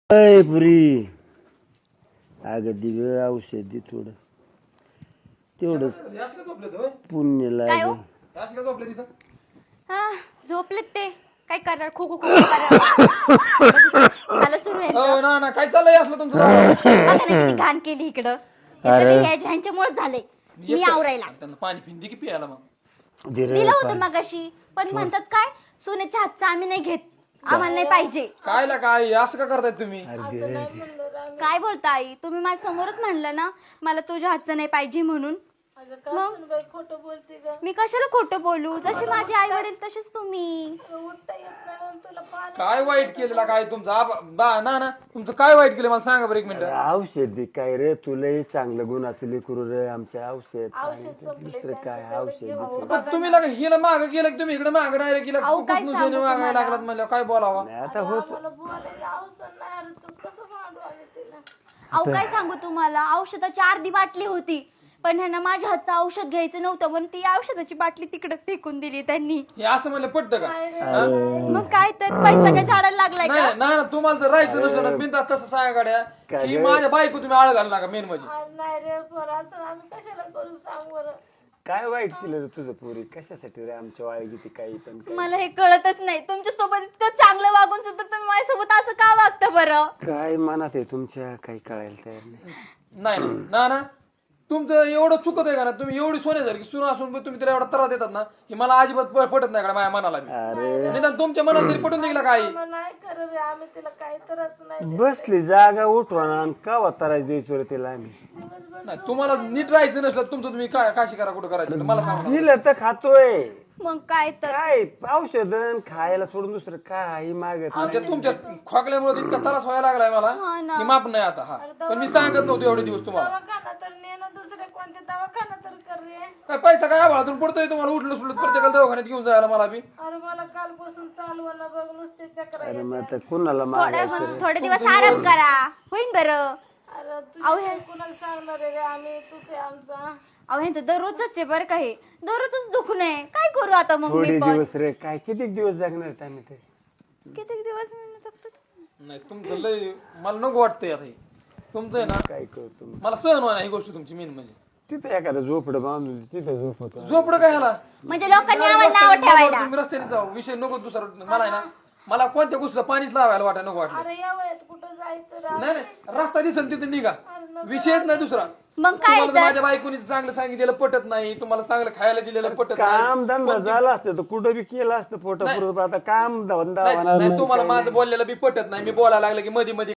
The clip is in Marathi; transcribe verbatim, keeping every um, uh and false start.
अय पुरी अगं दिग औषध दे थोडं तेवढं पुण्य काय हो? लागेल. हा झोपलेत ते काय करणार खो खो खो झालं सुरू आहे हो ना ना काय चाललंय असलं तुमचं बघा ना किती घाण केली इकडं हे सगळं ह्यांच्यामुळे झालंय मी आवरायला त्यांना पाणी पिंदी की पियाला मग दिलं होतं मगाशी पण म्हणतात काय सोन्याच्या हातचं आम्ही नाही घेत आम्हाला नाही पाहिजे काय ला काय असं का करताय तुम्ही काय बोलता आई तुम्ही माझ्या समोरच म्हणलं ना मला तुझ्या हातचं नाही पाहिजे म्हणून मग खोटं बोलते ग मी कशाला खोटं बोलू जसे माझे आई वडील तसेच तुम्ही उठता येत नाही म्हणून तुला पाणी काय वाईट केलेला काय तुमचं आबा- बा ना ना तुमचं काय वाईट केलं मला सांगा बरं एक मिनिट औषध दे काय रे तुलाही चांगलं गुणाचं लेकरू रे आमच्या औषध पाणी ते दुसरं काय औषध दे पण तुम्ही लगा हिला माग गेलं की तुम्ही इकडे माग डायरेक्ट गेला अहो, काय सांगू मागायला तुम्हाला? लागलात म्हणलं काय बोलावा नाही. आता होत मला बोलायला अवसर नाही अरे तू कसं मांडू आम्ही तिला अहो काय सांगू तुम्हाला औषधाची अर्धी बाटली होती पण ह्यांना माझ्या हातचं औषध घ्यायचं नव्हतं म्हणून ती औषधाची बाटली तिकडे फेकून दिली त्यांनी हे असं म्हणलं पटतं का मग काय तर पैसा काय झाडायला लागलाय नाही का ना ना तुम्हाला जर राहायचं नसलं ना बिंदा तसं सांगा गाड्या की माझ्या बायको तुम्ही आळ घालू नका मेन म्हणजे आज नाही रे पोरं असं आम्ही कशाला करू सांग बरं काय वाईट केलं रे तुझं पोरी कशासाठी रे आमच्या वाळी किती काही पण काय? मला हे कळतच नाही तुमच्या सोबत इतकं चांगलं वागून सुद्धा तुम्ही माझ्यासोबत असं का वागता बरं काय मनात आहे तुमच्या काही कळायला तयार नाही. नाही नाही. ना ना तुमचं एवढं चुकत आहे का ना तुम्ही एवढी सोन्यासारखी सुन असून पण तुम्ही त्याला एवढा त्रास देतात ना हे मला अजिबात प- पटत नाही का माझ्या मनाला बी. अरे निदान तुमच्या मनाला तरी पटून दिला काही मग नाही कर रे आम्ही तिला काही तरच नाही बसली जागा उठवा का त्रास द्यायचो रे तिला आम्ही नाही तुम्हाला नीट राहायचं नसलं तुमचं तुम्ही काय काशी करा कुठं करायचं मला सांगा दिलं तर खातोय मग काय तर काय औषधन खायला सोडून दुसरं काही मागत नाही. ते तुमच्या खोकल्यामुळे इतका त्रास व्हायला लागलाय मला हा ना. की माप नाही आता हा पण मी सांगत नव्हतो एवढे दिवस तुम्हाला दवाखाना तर नेणं दुसरे कोणते दवाखाना तर कर रे काय पैसा काय आभाळातून पडतोय तुम्हाला उठलं सुटलं प्रत्येकाला दवाखान्यात घेऊन जायला मला बी अरे मला कालपासून चालवणं बघ नुसते चक्र अरे मग आता कुणाला थोडे मागायचं थोडे दिवस आराम करा होईन बरं अरे तुझ्या कुणाला सांगणार आहे रे आम्ही तुझे आमचा अहो ह्यांचं दररोजच आहे बरं का हे दररोजच दुखणं आहे काय करू आता मग थोडे मी पण दिवस रे काय किती दिवस जगणार आहेत आम्ही ते किती दिवस मी जगतो? नाही तुमचं लय मला नको वाटतंय आता हे तुमचं आहे ना काय करतो मग? मला सहन व्हायला ही गोष्ट तुमची मेन म्हणजे तिथं एखादं झोपडं बांधून तिथं झोप होतो झोपडं काय ह्याला म्हणजे लोकांनी आम्हाला नाव ठेवायला तुम्ही रस्त्याने जाऊ विषय नको दुसरा मला आहे ना मला कोणत्या गोष्टीला पाणीच लावायला वाटाय नको वाटलं अरे या वयात कुठं जायचं रे नाही नाही रस्ता दिसन तिथे निघा विषयच नाही दुसरा मग काय तुम्हाला तर माझ्या बायकोनी चांगलं सांगितलेलं पटत नाही तुम्हाला चांगलं खायला दिलेलं पटत नाही काम धंदा झाला असतं तर कुठं बी केलं असतं पोटा पुरत आता काम धंदा नाही होणार नाही, नाही, तुम्हाला काही माझं बोललेलं बी पटत नाही मी बोलायला लागलं की मध्ये मध्ये